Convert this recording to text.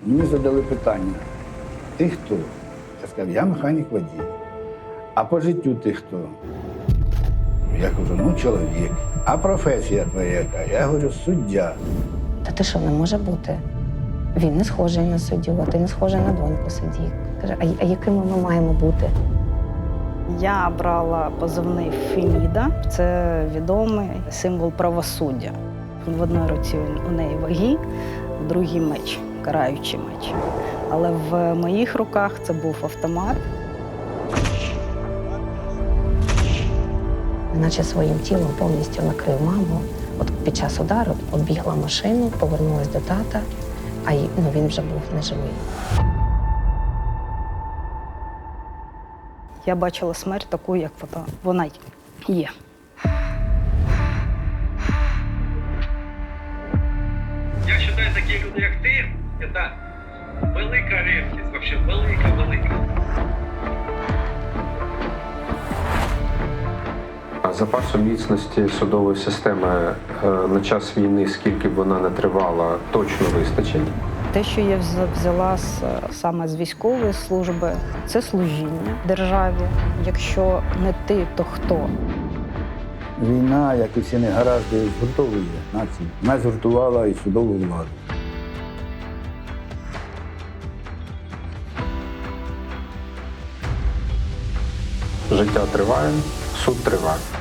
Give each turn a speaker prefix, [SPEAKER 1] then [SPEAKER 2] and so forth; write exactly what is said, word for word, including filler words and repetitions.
[SPEAKER 1] Мені задали питання, ти хто? Я сказав, я механік водій. А по життю ти хто? Я кажу, ну чоловік. А професія твоя яка? Я говорю, суддя.
[SPEAKER 2] Та ти що, не може бути? Він не схожий на суддю, а ти не схожий на доньку судді. Каже, а, а якими ми маємо бути?
[SPEAKER 3] Я брала позивний Феміда. Це відомий символ правосуддя. В одній руці у неї ваги, в другій меч, караючий меч. Але в моїх руках це був автомат.
[SPEAKER 2] Наче своїм тілом повністю накрив маму. От під час удару оббігла машину, повернулась до тата, а й- ну, він вже був неживий.
[SPEAKER 3] Я бачила смерть таку, як вона- вона є.
[SPEAKER 4] Я считаю, такі люди, як ти, це велика рідкість, вообще велика-велика.
[SPEAKER 5] А запасу міцності судової системи е, на час війни, скільки б вона не тривала, точно вистачить?
[SPEAKER 3] Те, що я взя- взяла з, саме з військової служби, це служіння державі. Якщо не ти, то хто?
[SPEAKER 1] Війна, як і всі негаразди, згуртовує націю. Вона згуртувала і судову владу.
[SPEAKER 5] Життя триває, суд триває.